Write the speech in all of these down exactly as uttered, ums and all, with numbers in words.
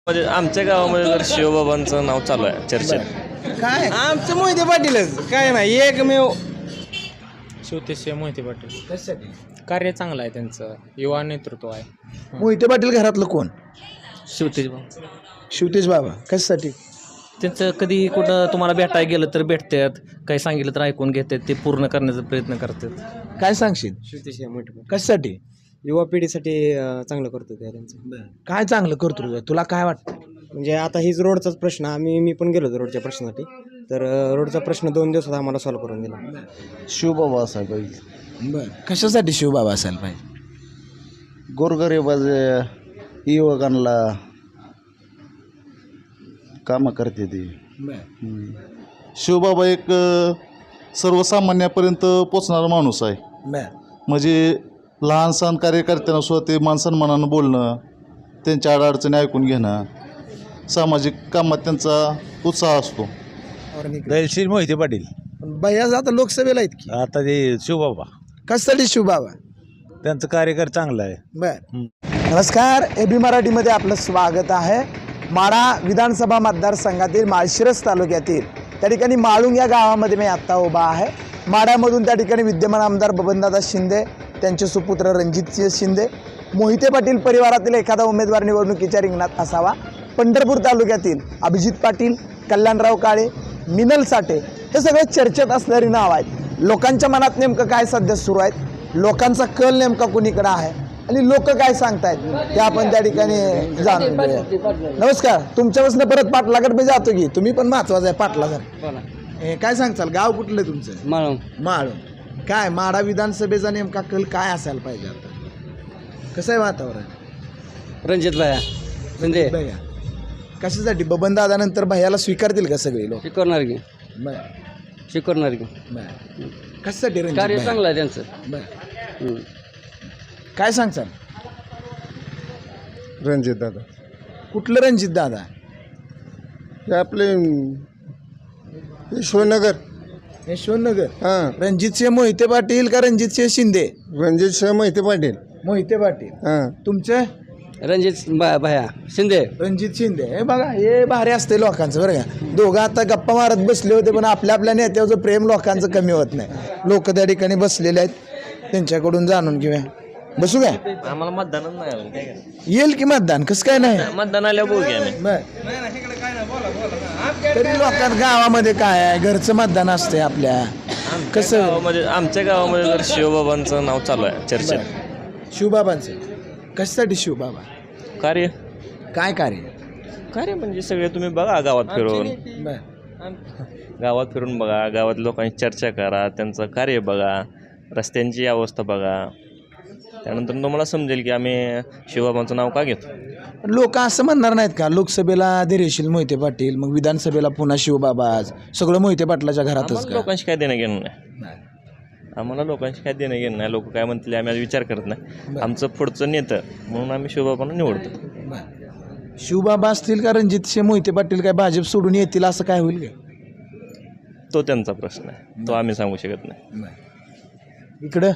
म्हणजे आमच्या गावामध्ये तर शिवबाबांचं नाव चालू आहे चर्चेत. काय आमचं मोहिते पाटीलच काय नाही एकमेव शिवतेशिव मोहिते पाटील कशासाठी कार्य चांगलं आहे त्यांचं, युवा नेतृत्व आहे. मोहिते पाटील घरातलं कोण? शिवतेज शिवतेज बाबा कशासाठी? त्यांचं कधी कुठं तुम्हाला भेटायला गेलं तर भेटतात, काही सांगितलं तर ऐकून घेतात, ते पूर्ण करण्याचा प्रयत्न करतात. काय सांगशील? शिवतेशिव मोहिते पाटील कशासाठी? युवा पिढीसाठी अं, चांगलं करतो ते त्यांचं. काय चांगलं करतो तुझं? तुला काय वाटतं? म्हणजे आता हीच रोडचाच प्रश्न, आम्ही मी पण गेलो होतो रोडच्या प्रश्नासाठी, तर अं, रोडचा प्रश्न दोन दिवसात आम्हाला सॉल्व्ह करून दिला. शिवबाबा असायला पाहिजे. बर कशासाठी शिवबाबा असायला पाहिजे? गोरगरीबाज युवकांना कामं करते ती. शिवबाबा एक अ, सर्वसामान्यापर्यंत पोचणारा माणूस आहे. बर म्हणजे लहान सहान कार्यकर्त्यांना सुद्धा ते मानसन्मानानं बोलणं, त्यांच्या अडचणी ऐकून घेणं, सामाजिक कामात त्यांचा उत्साह असतो. दयशील मोहिते पाटील. बयाज आता लोकसभेला आहेत की, आता ते शिवबाबा कशासाठी शिवबाबा? त्यांचं कार्यकर चांगलं आहे. बर नमस्कार, ए बी मराठीमध्ये आपलं स्वागत आहे. माढा विधानसभा मतदारसंघातील माळशिरस तालुक्यातील त्या ठिकाणी माळुंग या गावामध्ये मी आत्ता उभा आहे. माढ्यामधून त्या ठिकाणी विद्यमान आमदार बबनदादा शिंदे, त्यांचे सुपुत्र रणजितसिंह शिंदे, मोहिते पाटील परिवारातील एखादा उमेदवार निवडणुकीच्या रिंगणात असावा. पंढरपूर तालुक्यातील अभिजित पाटील, कल्याणराव काळे, मिनल साठे हे सगळे चर्चेत असणारी नाव आहेत. लोकांच्या मनात नेमकं काय सध्या सुरू आहेत, लोकांचा कल नेमका कुणीकडे आहे आणि लोक काय सांगतायत ते आपण त्या ठिकाणी जाणून घेऊया. नमस्कार, तुमच्यापासून परत पाटलाकडे मी जातो की, तुम्ही पण महत्वाचं आहे पाटला जर हे काय सांगचाल? गाव कुठलं तुमचं? माळून माळून. काय माढा विधानसभेचा नेमका कल काय असायला पाहिजे? आता कसं आहे वातावरण? रणजित भाया शिंदे भैया कशासाठी? बबन दादा नंतर भैयाला स्वीकारतील का सगळे लोक? शिकवणार की बर शिकवणार की बर कशासाठी रणजित कार्य भैया? चांगलं आहे त्यांचं. बर काय सांगचाल? रणजित दादा कुठलं रणजित दादा? हे आपले यशवंतनगर. यशवंतनगर. हां, रणजितसिंह मोहिते पाटील का रणजितसिंह शिंदे? रणजित सिंह मोहिते पाटील. मोहिते पाटील. हां, तुमचं? रणजित भाया शिंदे. रणजित शिंदे. हे बघा, हे भारी असते लोकांचं बरं का. दोघं आता गप्पा मारत बसले होते, पण आपल्या आपल्या नेत्याचं प्रेम लोकांचं कमी होत नाही. लोक त्या ठिकाणी बसलेले आहेत, त्यांच्याकडून जाणून घेऊया. बसू काय? आम्हाला मतदानच नाही आलं, काय करायचं? येईल की मतदान? कसं काय नाही? मतदान आल्यावर बघू आम्ही. बर तरी लोकांत गावामध्ये काय आहे, घरचं मतदान असते आपल्या. कसं? गावामध्ये आमच्या गावामध्ये तर शिवबाबांचं नाव चालू आहे चर्चेत. शिवबाबांचं. कशासाठी शिवबाबा? कार्य काय कार्य? कार्य म्हणजे सगळे तुम्ही बघा गावात फिरून, बर गावात फिरून बघा, गावात लोकांची चर्चा करा, त्यांचं कार्य बघा, रस्त्यांची अवस्था बघा, त्यानंतर तुम्हाला समजेल की आम्ही शिवबाबांचं नाव का घेतो. लोक असं म्हणणार नाहीत का, लोकसभेला धैर्यशील मोहिते पाटील, मग विधानसभेला पुन्हा शिवबाबाज, सगळं मोहिते पाटलाच्या घरातच आम्हाला का? लोकांशी काय देणं घेणं नाही. आम्हाला लोकांशी काय देणं घेणं नाही. लोक काय म्हणतील आम्ही आज विचार करत नाही. आमचं पुढचं नेतं म्हणून आम्ही शिवबाबांना निवडतो. शिवबाबा असतील का रणजितसिंह मोहिते पाटील काय भाजप सोडून येतील असं काय होईल का? तो त्यांचा प्रश्न आहे, तो आम्ही सांगू शकत नाही. इकडं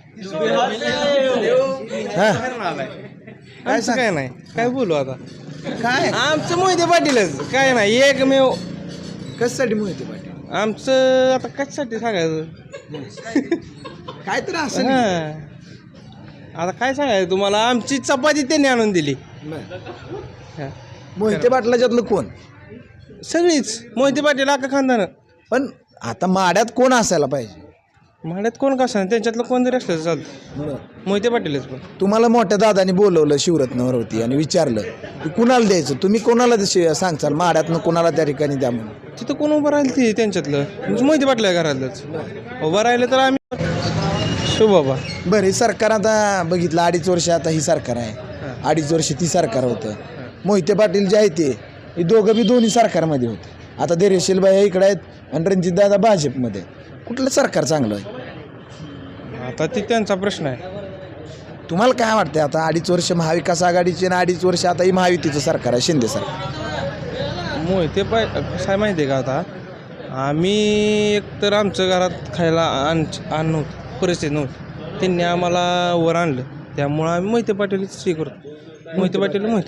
हा काय काय नाही, काय बोलू आता. काय आमचं मोहिते पाटीलच काय नाही, एकमेव. कशासाठी मोहिते पाटील? आमचं आता कशासाठी सांगायचं? काय तर असं हां. आता काय सांगायचं तुम्हाला, आमची चपाती त्यांनी आणून दिली. हां. मोहिते पाटलाच्यातलं कोण? सगळीच मोहिते पाटील अख्खा खानदान. पण आता माड्यात कोण असायला पाहिजे? माड्यात कोण कसं नाही, त्यांच्यातलं कोण जरी असलं तर चालतं. मोहिते पाटीलच. पण तुम्हाला मोठ्या दादानी बोलवलं शिवरत्नावर होती आणि विचारलं की कुणाला द्यायचं, तुम्ही कोणाला तसे सांगचाल माड्यातनं कोणाला त्या ठिकाणी द्या म्हणून? तिथं कोण उभं राहील ती त्यांच्यातलं, म्हणजे मोहिते पाटील आहे घरातलंच. उभं राहिलं तर आम्ही शिवबाबा. बरं, हे सरकार आता बघितलं, अडीच वर्ष आता ही सरकार आहे, अडीच वर्ष ती सरकार होतं. मोहिते पाटील जे आहे ते हे दोघं बी दोन्ही सरकारमध्ये होते. आता धैर्यशील बाई इकडे आहेत आणि रणजितदादा भाजपमध्ये. कुठलं सरकार चांगलं आहे? आता ती त्यांचा प्रश्न आहे. तुम्हाला काय वाटतं? आता अडीच वर्ष महाविकास आघाडीचे आणि अडीच वर्ष आता ही महायुतीचं सरकार आहे, शिंदे सरकार. मोहिते पाय काय माहिती आहे का, आता आम्ही एकतर आमचं घरात खायला अन्न अन्न नव्हतं, परिस्थिती नव्हती, त्यांनी आम्हाला वर आणलं, त्यामुळं आम्ही मोहिते पाटीलच हे करतो. मोहिते पाटील मोहिते पाटील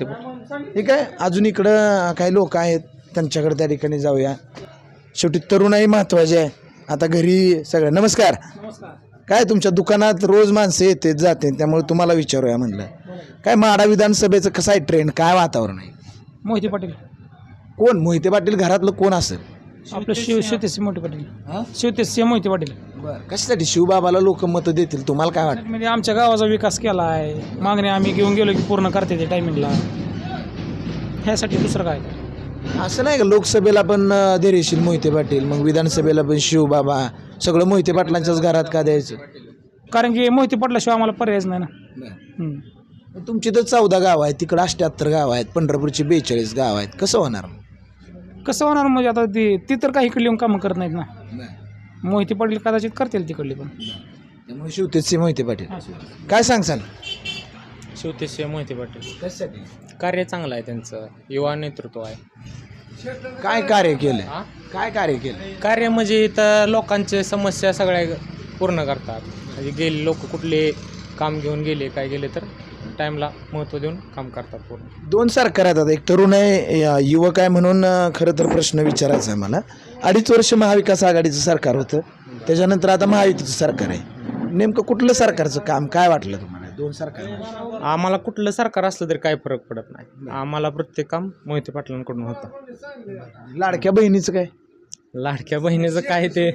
ठीक आहे, अजून इकडं काही लोक आहेत त्यांच्याकडे त्या ठिकाणी जाऊया. शेवटी तरुणाई महत्त्वाची आहे. आता घरी सगळं नमस्कार. काय तुमच्या दुकानात रोज माणसं येते जाते, त्यामुळे तुम्हाला विचारूया म्हणलं. काय माढा विधानसभेचं कसं आहे ट्रेंड, काय वातावरण आहे? मोहिते पाटील. कोण मोहिते पाटील घरातलं कोण असेल? आपलं शिव शिवतेज मोहिते पाटील. शिवतेज मोहिते पाटील. बरं, कशासाठी शिवबाबाला लोक मतं देतील तुम्हाला काय वाटतं? म्हणजे आमच्या गावाचा विकास केला आहे, मागणी आम्ही घेऊन गेलो की पूर्ण करते ते टायमिंगला, ह्यासाठी दुसरं काय. असं नाही का लोकसभेला पण अं, धैर्यशील मोहिते पाटील, मग विधानसभेला पण शिवबाबा, सगळं मोहिते पाटलांच्याच घरात का द्यायचं? कारण की मोहिते पाटलाशिवाय आम्हाला पर्यायच नाही ना. हम्म. तुमची तर चौदा गाव आहेत, तिकडं अठ्ठ्याहत्तर गाव आहेत, पंढरपूरची बेचाळीस गाव आहेत, कसं होणार? कसं होणार म्हणजे आता ती ती तर काही इकडली येऊन कामं करत नाहीत ना. मोहिते पाटील कदाचित करतील तिकडली पण. त्यामुळे शिवतेजचे मोहिते पाटील. काय सांगसाल? शिवतेज मोहिते पाटील. कशासाठी? कार्य चांगलं आहे त्यांचं, युवा नेतृत्व आहे. काय कार्य केलं? काय कार्य केलं? कार्य म्हणजे इथं लोकांचे समस्या सगळ्या पूर्ण करतात. म्हणजे गेले लोक कुठले काम घेऊन गेले काय गेले तर टाईमला महत्त्व देऊन काम करतात पूर्ण. दोन सरकार आहेत. आता एक तरुण आहे, या युवक आहे, म्हणून अं, खरं तर प्रश्न विचारायचा आहे मला. अडीच वर्ष महाविकास आघाडीचं सरकार होतं, त्याच्यानंतर आता महायुतीचं सरकार आहे. नेमकं कुठलं सरकारचं काम काय वाटलं तुम्हाला दोन सरकार? आम्हाला कुठलं सरकार असलं तरी काही फरक पडत नाही. आम्हाला प्रत्येक काम मोहिते पाटलांकडून होतं. लाडक्या बहिणीचं काय? लाडक्या बहिणीचं काय ते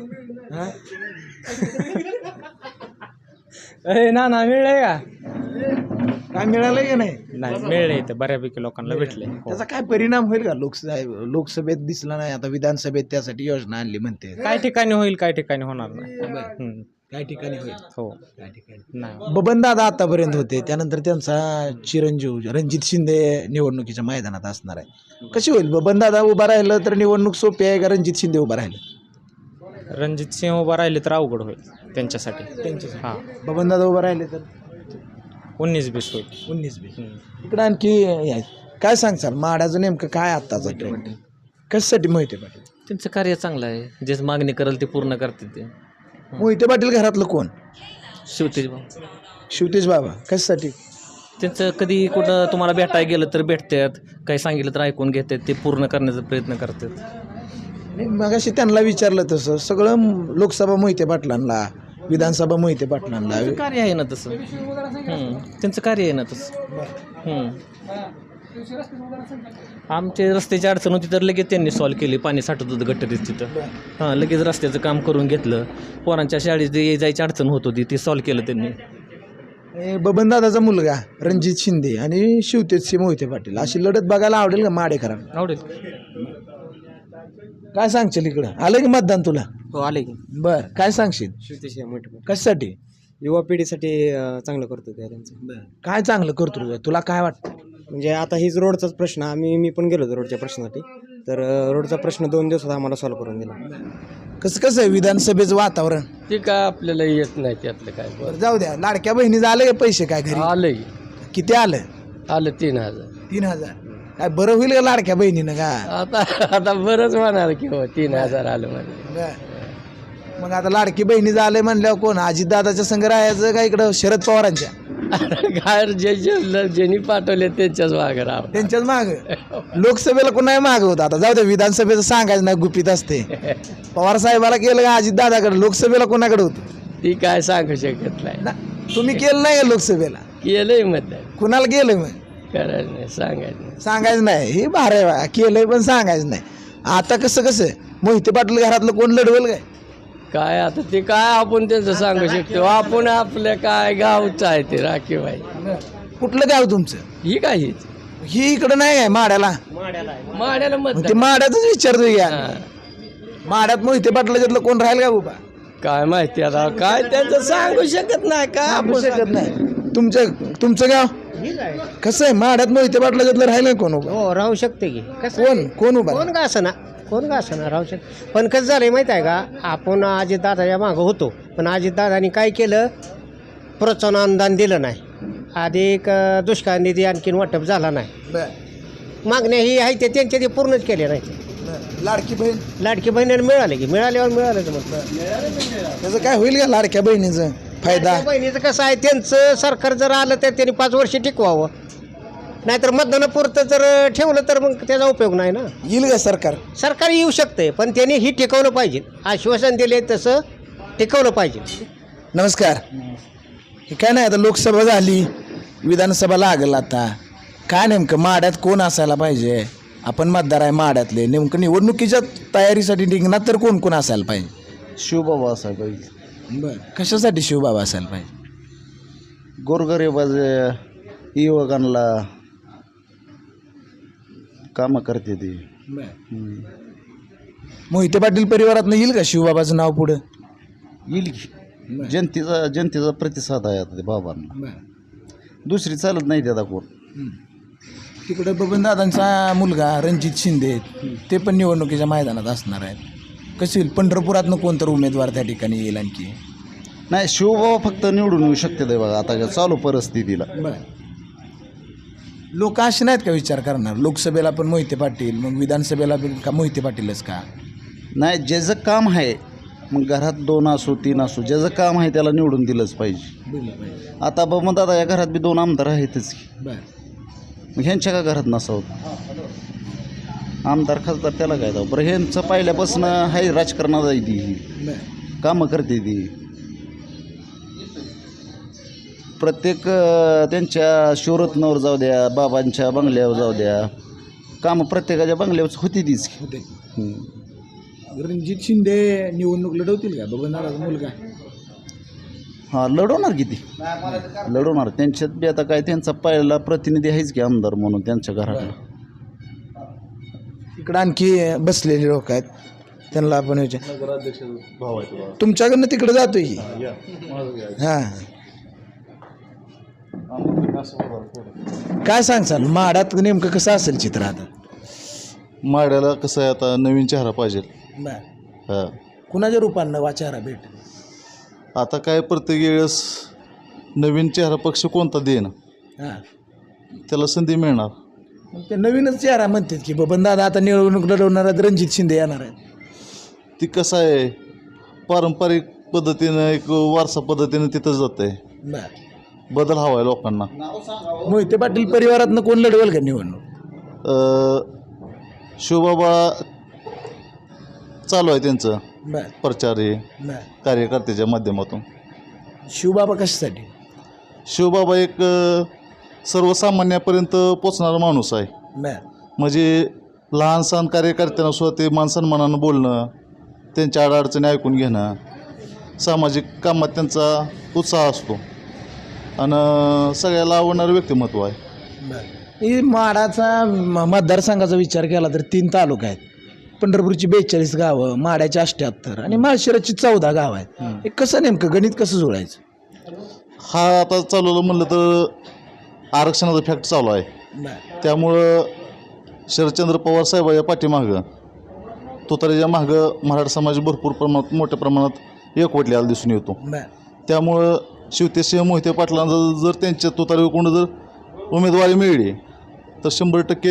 अरे ना ना मिळलंय का? काय मिळालं की नाही? नाही मिळलंय तर बऱ्यापैकी लोकांना भेटले. त्याचा काय परिणाम होईल का? लोकसभा लोकसभेत दिसला नाही, आता विधानसभेत त्यासाठी योजना आणली म्हणते. काय ठिकाणी होईल काय ठिकाणी होणार नाही. हम्म. काय ठिकाणी होईल? हो काय ठिकाणी नाही. बबन दादा आतापर्यंत होते, त्यानंतर त्यांचा चिरंजीव रणजित शिंदे निवडणुकीच्या मैदानात असणार आहे. कशी होईल? बबन दादा उभा राहिलं तर निवडणूक सोपी आहे का रणजित शिंदे उभा राहिलं? रणजित सिंह उभा राहिले तर अवघड होईल त्यांच्यासाठी. त्यांच्यासाठी. हां बबन दादा उभा राहिले तर उन्नीस बीस होईल. उन्नीस बी. इकडं आणखी हे आहे. काय सांगचाल माड्याचं नेमकं काय आत्ताचं ट्रेंड, कशासाठी मोहिते पाटील? त्यांचं कार्य चांगलं आहे, जे मागणी करेल ते पूर्ण करते ते. मोहिते पाटील घरातलं कोण? शिवतेज भाऊ. शिवतेज बाबा. कशासाठी? त्यांचं कधी कुठं तुम्हाला भेटायला गेलं तर भेटतात, काही सांगितलं तर ऐकून घेतात, ते पूर्ण करण्याचा प्रयत्न करतात. मगाशी त्यांना विचारलं तसं सगळं लोकसभा मोहिते पाटलांना, विधानसभा मोहिते पाटलांना. त्यांचं कार्य आहे ना तसं. हम्म. त्यांचं कार्य आहे ना तसं. हम्म. आमचे रस्त्याची अडचण होती तर लगेच त्यांनी सॉल्व्ह केली. पाणी साठत होतं गट्टरीत तिथं, हां लगेच रस्त्याचं काम करून घेतलं. पोरांच्या शाळेत जे जायची अडचण होत होती ती सॉल्व्ह केलं त्यांनी. बबन दादाचा मुलगा रणजित शिंदे आणि शिवतेज मोहिते पाटील अशी लढत बघायला आवडेल का माडेकरांना? आवडेल. काय सांगशील? इकडं आलं की मतदान तुला? हो आले की. बर, काय सांगशील? शिवतेज मोहिते कशासाठी? युवा पिढीसाठी अं, चांगलं करतो ते त्यांचं. काय चांगलं करतो तुला काय वाटतं? म्हणजे आता हीच रोडचाच प्रश्न, आम्ही मी पण गेलो होतो रोडच्या प्रश्नासाठी, तर अं, रोडचा प्रश्न दोन दिवसात आम्हाला सॉल्व्ह करून दिला. कसं कसं आहे विधानसभेचं वातावरण? ते काय आपल्याला येत नाही त्यातलं काय. बरं, जाऊ द्या. लाडक्या बहिणीचं आलं का पैसे काय घरी? आलं किती आलं? आलं तीन हजार. तीन हजार. काय बरं होईल का लाडक्या बहिणीनं का? आता आता बरंच म्हणाल की हो तीन हजार आलं म्हणजे. बरं. मग आता लाडकी बहिणीचं आलंय म्हणल्यावर कोण अजितदादाच्या संग राहायचं का इकडं शरद पवारांच्या? काय जे जे ज्यांनी पाठवले त्यांच्याच मागं राहा. त्यांच्याच माग. लोकसभेला कोण माग होतं? आता जाऊ दे, विधानसभेचं सांगायचं नाही, गुपित असते. पवार साहेबाला केलं का अजितदादाकडे? लोकसभेला कोणाकडे होतं ती काय सांगू शकत नाही ना. तुम्ही केलं नाही का लोकसभेला? केलंय मतदान. कुणाला केलं मग? करायचं नाही सांगायचं नाही. सांगायचं नाही. हे भारे बा केलंय पण सांगायचं नाही. आता कसं कसं मोहिते पाटील घरातलं कोण लढवेल काय? काय आता ते काय आपण त्यांचं सांगू शकतो. आपण आपल्या काय गावचं आहे ते राखीव आहे. कुठलं गाव तुमचं? ही काय हीच ही इकडं नाही काय माड्याला? माड्याला मग मत ते माड्यातच विचारतोय घ्या. माड्यात मोहिते पाटलाच्यातलं कोण राहील का उभा? काय माहिती आता काय त्यांचं सांगू शकत नाही. काय सांगू शकत नाही. तुमचं तुमचं गाव कसं आहे? माड्यात मोहिते पाटलाच्यातलं राहिलं कोण उभा? हो राहू शकते की. कोण कोण उभा? कोण का असं ना कोण का असं ना राहू शकते. पण कसं झालं माहीत आहे का, आपण अजितदादाच्या मागं होतो, पण अजितदादांनी काय केलं, प्रोत्साहन अनुदान दिलं नाही. अधिक दुष्काळ निधी आणखीन वाटप झाला नाही. मागण्या ही आहे ते त्यांच्या ते पूर्णच केल्या नाही. लाडकी बहीण लाडकी बहिणीला मिळाले की मिळाल्यावर मिळालं मग त्याचं काय होईल का लाडक्या बहिणीचं फायदा? बहिणीचं कसं आहे, त्यांचं सरकार जर आलं तर त्यांनी पाच वर्ष टिकवावं. नाहीतर मतदानापुरतं जर ठेवलं तर मग त्याचा उपयोग नाही ना. येईल का सरकार? सरकार येऊ शकते पण त्यांनी ही टिकवलं पाहिजे. आश्वासन दिले तसं टिकवलं पाहिजे. नमस्कार. हे काय नाही, आता लोकसभा झाली, विधानसभा लागल. आता काय नेमकं माड्यात कोण असायला पाहिजे? आपण मतदार आहे माड्यातले, नेमकं निवडणुकीच्या तयारीसाठी निघणार तर कोण कोण असायला पाहिजे? शिवबाबा असायला पाहिजे. बरं, कशासाठी शिवबाबा असायला पाहिजे? गोरगरीबाज युवकांना कामं करते ती. मोहिते पाटील परिवारातनं येईल का शिवबाबाचं नाव पुढं? येईल की. जनतेचा जनतेचा प्रतिसाद आहे आता ते बाबांना. दुसरी चालत नाही त्याचा कोण. तिकडं बबनदादांचा मुलगा रणजित शिंदे ते पण निवडणुकीच्या मैदानात असणार आहेत. कसे येईल? पंढरपुरातनं कोणतर उमेदवार त्या ठिकाणी येईल आणखी? नाही, शिवबाबा फक्त निवडून येऊ शकते ते बघा आता चालू परिस्थितीला. लोक असे नाहीत का विचार करणार, लोकसभेला पण मोहिते पाटील, मग विधानसभेला पण का मोहिते पाटीलच का? नाही, ज्याचं काम आहे, मग घरात दोन असो तीन असो, ज्याचं काम आहे त्याला निवडून दिलंच पाहिजे. आता बाबा दादा या घरात बी दोन आमदार आहेतच की, मग ह्यांच्या का घरात नसावं? आमदार खासदार त्याला काय जाऊ. बरं, ह्यांचं पहिल्यापासून आहे राजकारणात आहे ती, कामं करते ती. प्रत्येक त्यांच्या शिवरत्नावर जाऊ द्या, बाबांच्या बंगल्यावर जाऊ द्या, कामं प्रत्येकाच्या बंगल्यावर होती तीच. रणजित शिंदे निवडणूक लढवतील का? बबनदादाचा मुलगा. हां, लढवणार किती लढवणार. त्यांच्यात बी आता काय त्यांचा पहिला प्रतिनिधी आहेच की आमदार म्हणून त्यांच्या घरातला. इकडं आणखी बसलेले लोक आहेत, त्यांना आपण विचार. तुमच्याकडनं तिकडे जातोय की? हां, काय सांगचाल माड्यात नेमकं कसं असेल चित्र? आता माड्याला कसं आहे, आता नवीन चेहरा पाहिजे. हां, कुणाच्या रूपानं वाचारा भेट? आता काय प्रत्येक वेळेस नवीन चेहरा पक्ष कोणता देईन हां, त्याला संधी मिळणार. मग ते नवीनच चेहरा म्हणतात की बबनदादा आता निवडणूक लढवणार आहेत, रणजित शिंदे येणार आहेत. ती कसं आहे, पारंपरिक पद्धतीनं एक वारसा पद्धतीनं तिथं जात आहे. बर, बदल हवा आहे लोकांना. मोहिते पाटील परिवारातनं कोण लढवेल का निवडणूक? शिवबाबा चालू आहे त्यांचं बर प्रचार हे बर. कार्यकर्त्याच्या माध्यमातून. शिवबाबा कशासाठी? शिवबाबा एक अ, सर्वसामान्यापर्यंत पोचणारा माणूस आहे. बर म्हणजे लहान सहान कार्यकर्त्यांना सुद्धा ते मानसन्मानानं बोलणं, त्यांच्या अडचणी ऐकून घेणं, सामाजिक कामात त्यांचा उत्साह असतो आणि सगळ्याला आवडणारं व्यक्तिमत्व आहे. बर. ही माडाचा म- मतदारसंघाचा विचार केला तर तीन तालुका आहेत. पंढरपूरची बेचाळीस गावं, माड्याची अठ्ठ्याहत्तर आणि माळशिरसची चौदा गावं आहेत. हे कसं नेमकं गणित कसं जुळायचं? हा आता चालवलं म्हणलं तर आरक्षणाचा फॅक्ट चालू आहे. बर त्यामुळं शरदचंद्र पवार साहेबाच्या पाठीमागं तुतारीच्या मागं मराठा समाज भरपूर प्रमाणात मोठ्या प्रमाणात एकवटलेला दिसून येतो. बर त्यामुळं शिवतेसिंह मोहिते पाटलांना जर त्यांच्या तुतारीवर कोण जर उमेदवारी मिळली तर शंभर टक्के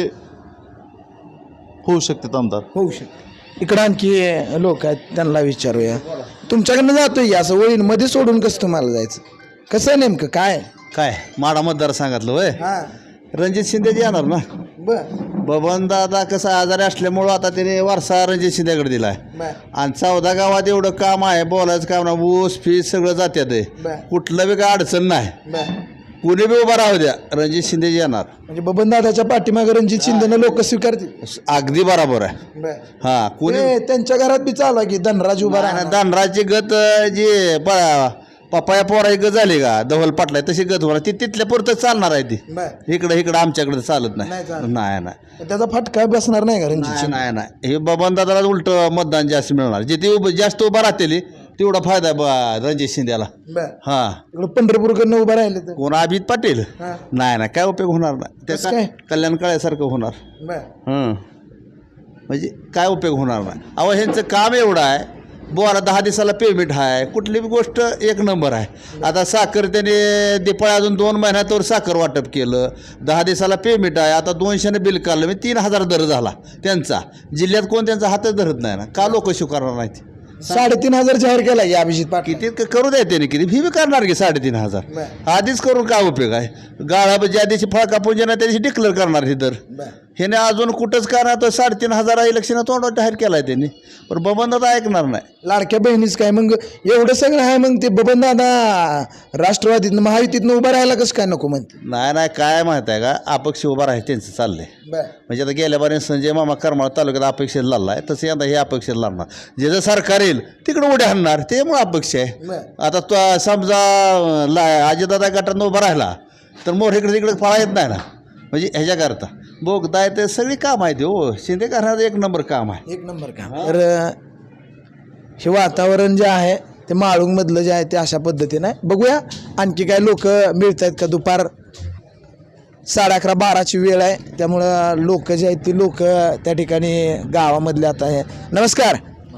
होऊ शकतात आमदार. होऊ शकते. इकडं आणखी लोक आहेत, त्यांना विचारूया. तुमच्याकडनं जातोय असं वळीन मध्ये सोडून कसं तुम्हाला जायचं? कसं आहे नेमकं काय? काय माडा मतदारसंघातलं होय, हां रणजित शिंदेची येणार ना. बर बबन दादा कसं आजारी असल्यामुळं आता त्याने वारसा रणजित शिंदेकडे दिला आहे. बर आणि चौदा गावात एवढं काम आहे, बोलायचं काम ना, ऊस फीस सगळं जात्यात आहे. बर कुठलं बी काय अडचण नाही, बर. कुणी बी उभा राहू द्या, रणजित शिंदे येणार. म्हणजे बबनदादाच्या पाठीमागे रणजित शिंदेनं लोक स्वीकारतील. अगदी बरोबर आहे. बर हां, कुणी ते त्यांच्या घरात बी चालू आहे की धनराज उभा राहणार. धनराजची गत जी प- पपाया पोराची गत झाली का धवल पाटलाय तशी गत होणार, ती तिथल्या पुरतं चालणार आहे. ती बर इकडं इकडं आमच्याकडे चालत नाही. नाही चालत. नाही नाही त्याचा फटका बसणार नाही का रणजित नाही शिंदे? नाही नाही हे बबन दादाला उलट मतदान जास्त मिळणार. जे ती उभं जास्त उभं राहतेली तेवढा फायदा आहे ब- रणजित शिंदेला. बर हां, इकडं पंढरपूरकडनं उभं राहिले तर कोण अभित पाटील हां नाही नाही काय उपयोग होणार नाही. ते कसं काय? कल्याण काळ्यासारखं होणार. बर हं, म्हणजे काय उपयोग होणार नाही. अहो ह्यांचं काम एवढं आहे, बोला दहा दिवसाला पेमेंट आहे, कुठली बी गोष्ट एक नंबर आहे. आता साखर त्याने दिपाळी अजून दोन महिन्यातवर साखर वाटप केलं, दहा दिवसाला पेमेंट आहे. आता दोनशेने बिल काढलं, म्हणजे तीन हजार दर झाला त्यांचा. जिल्ह्यात कोण त्यांचा हातच धरत नाही ना, का लोक स्वीकारणार नाहीत? साडेतीन हजार जाहीर केला या अभिजित पाटील किती क- करू द्या त्याने किती फी बी करणार की साडेतीन हजार आधीच करून काय उपयोग आहे. गाळा ज्या दिवशी फळका पूजन आहे त्या दिवशी डिक्लेअर करणार हे दर. ह्याने अजून कुठंच करणार तर साडेतीन हजार इलेक्शन तोंडावर जाहीर केलाय त्यांनी, पण बबनदादा ऐकणार नाही. लाडक्या बहिणीच काय मग एवढं सगळं आहे मग ते बबन दादा राष्ट्रवादीतनं महायुतीतनं उभं राहायला कसं काय नको म्हणते. नाही नाही काय माहिती आहे का, अपक्ष उभा राहायचं त्यांचं चाललंय. म्हणजे आता गेल्या बारे संजय मामा करमाळ तालुक्यात अपेक्षित लढला आहे, तसं यंदा हे अपेक्षित लढणार. जे जर सरकार येईल तिकडे उड्या हाणणार, त्यामुळे अपेक्ष आहे. आता तो समजा ला अजितदादा गटात उभा राहिला तर मोर इकडे तिकडे फळा येत नाही ना, म्हणजे ह्याच्याकरता बोगदाय ते सगळी काम आहे. हो शिंदे घरात एक नंबर काम आहे, एक नंबर काम. तर हे वातावरण जे आहे ते माळुंगमधलं जे आहे ते अशा पद्धतीनं आहे. बघूया आणखी काय लोक मिळत आहेत का. दुपार साडे अकरा बाराची वेळ आहे, त्यामुळं लोक जे आहेत ती लोक त्या ठिकाणी गावामधले आता आहे. नमस्कार,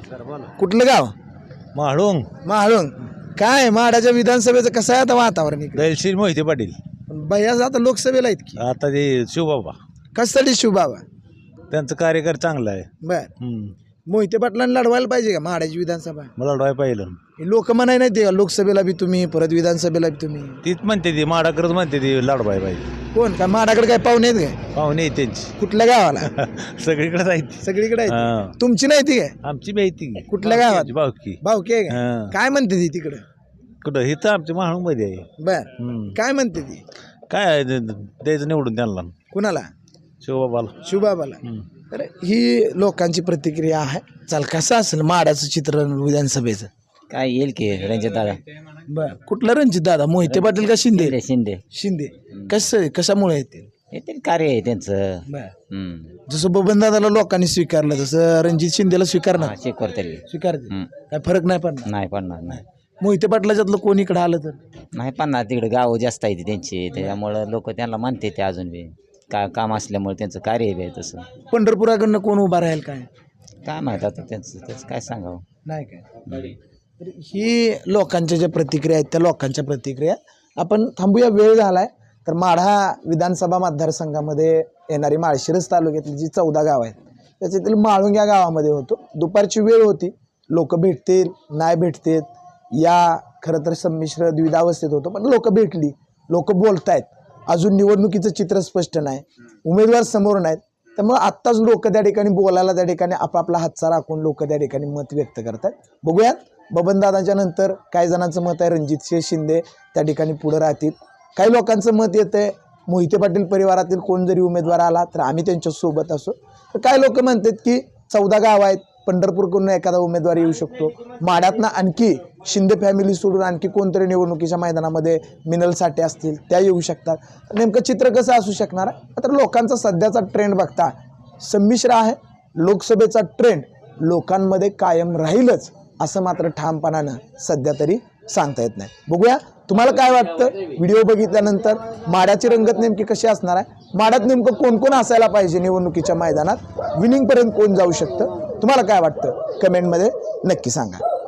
कुठलं गाव? म्हाळुंग. माळुंग. काय माडाच्या विधानसभेचं कसं आहे आता वातावरण इकडे? दैलशील मोहिते पाटील. भैया आता लोकसभेला आहेत की आता ते शिवबाबा कशासाठी शिवबाबा? त्यांचं कार्यकर चांगलं आहे. बर, हम्म. मोहिते पाटलांना लढवायला पाहिजे का माडाची विधानसभा? मला लढवाय पाहिलं. लोक म्हणाय नाही ते लोकसभेला बी तुम्ही परत विधानसभेला बी तुम्ही. तीच म्हणते ती माडाकडच म्हणते ती लढवाय पाहिजे. कोण काय माडाकडे काय पाहुणे आहेत काय? पाहुणे आहेत त्यांची कुठल्या गावाला? सगळीकडे जायची. सगळीकडे आहेत. हां. तुमची नाही ती काय? आमची माहिती कुठल्या गावात? भावकी. भाऊकी आहे का? हां. काय म्हणते ती तिकडं? कुठं इथं आमच्या म्हाळुंग मध्ये आहे. बर, हम्म. काय म्हणते ती? काय आहे ते- द्यायचं निवडून त्यांना कुणाला? शिवबाबाला. शिवबाबाला. हम्म. तर ही लोकांची प्रतिक्रिया आहे. चाल कसं असेल माडाचं चित्र विधानसभेचं? काय येईल की रणजित दादा. बर, कुठला रणजित दादा? मोहिते पाटील का शिंदे? शिंदे शिंदे. कसं कशामुळे येतील? येतील कार्य आहे त्यांचं. बर, हम्म. जसं बबन दादाला लोकांनी स्वीकारलं तसं रणजित शिंदेला स्वीकारणार? हा, शिकवर तरी स्वीकारते. हम्म. काय फरक नाही पडणार? नाही पडणार. नाही मोहिते पाटलाच्यातलं कोण इकडे आलं तर? नाही पडणार. तिकडे गाव जास्त आहे त्यांची, त्याच्यामुळं लोक त्यांना मानते ते अजून बी का काम असल्यामुळे त्यांचं कार्य बी आहे तसं. पंढरपुराकडनं कोण उभा राहील काय काय माहित आता त्यांचं त्याचं काय सांगावं. नाही काय. तर ही लोकांच्या ज्या प्रतिक्रिया आहेत त्या लोकांच्या प्रतिक्रिया आपण थांबूया. वेळ झालाय. तर माढा विधानसभा मतदारसंघामध्ये येणारी माळशिरस तालुक्यातली जी चौदा गाव आहेत त्याच्यातील माळुंग या गावामध्ये होतो. दुपारची वेळ होती, लोक भेटतील नाही भेटतील या खरं तर संमिश्र द्विधावस्थेत होतो, पण लोक भेटली, लोक बोलतायत. अजून निवडणुकीचं चित्र स्पष्ट नाही, उमेदवार समोर नाहीत, त्यामुळे आत्ताच लोक त्या ठिकाणी बोलायला त्या ठिकाणी आपापला हातचा राखून लोक त्या ठिकाणी मत व्यक्त करतात. बघूयात बबनदादांच्या नंतर काही जणांचं मत आहे रणजितसिंह शिंदे त्या ठिकाणी पुढे राहतील. काही लोकांचं मत येतंय मोहिते पाटील परिवारातील कोण जरी उमेदवार आला तर आम्ही त्यांच्या सोबत असो. तर काही लोक म्हणतात की चौदा गाव आहेत, पंढरपूरकडून एखादा उमेदवार येऊ शकतो, माढ्यातनं आणखी शिंदे फॅमिली सोडून आणखी कोणतरी निवडणुकीच्या मैदानामध्ये मिनल साठे असतील त्या येऊ शकतात. नेमकं चित्र कसं असू शकणार आहे? तर लोकांचा सध्याचा ट्रेंड बघता संमिश्र आहे. लोकसभेचा ट्रेंड लोकांमध्ये कायम राहीलच असं मात्र ठामपणानं सध्या तरी सांगता येत नाही. बघूया तुम्हाला काय वाटतं. व्हिडिओ बघितल्यानंतर माड्याची रंगत नेमकी कशी असणार आहे, माड्यात नेमकं कोण कोण असायला पाहिजे निवडणुकीच्या मैदानात, विनिंगपर्यंत कोण जाऊ शकतं, तुम्हाला काय वाटतं कमेंटमध्ये नक्की सांगा.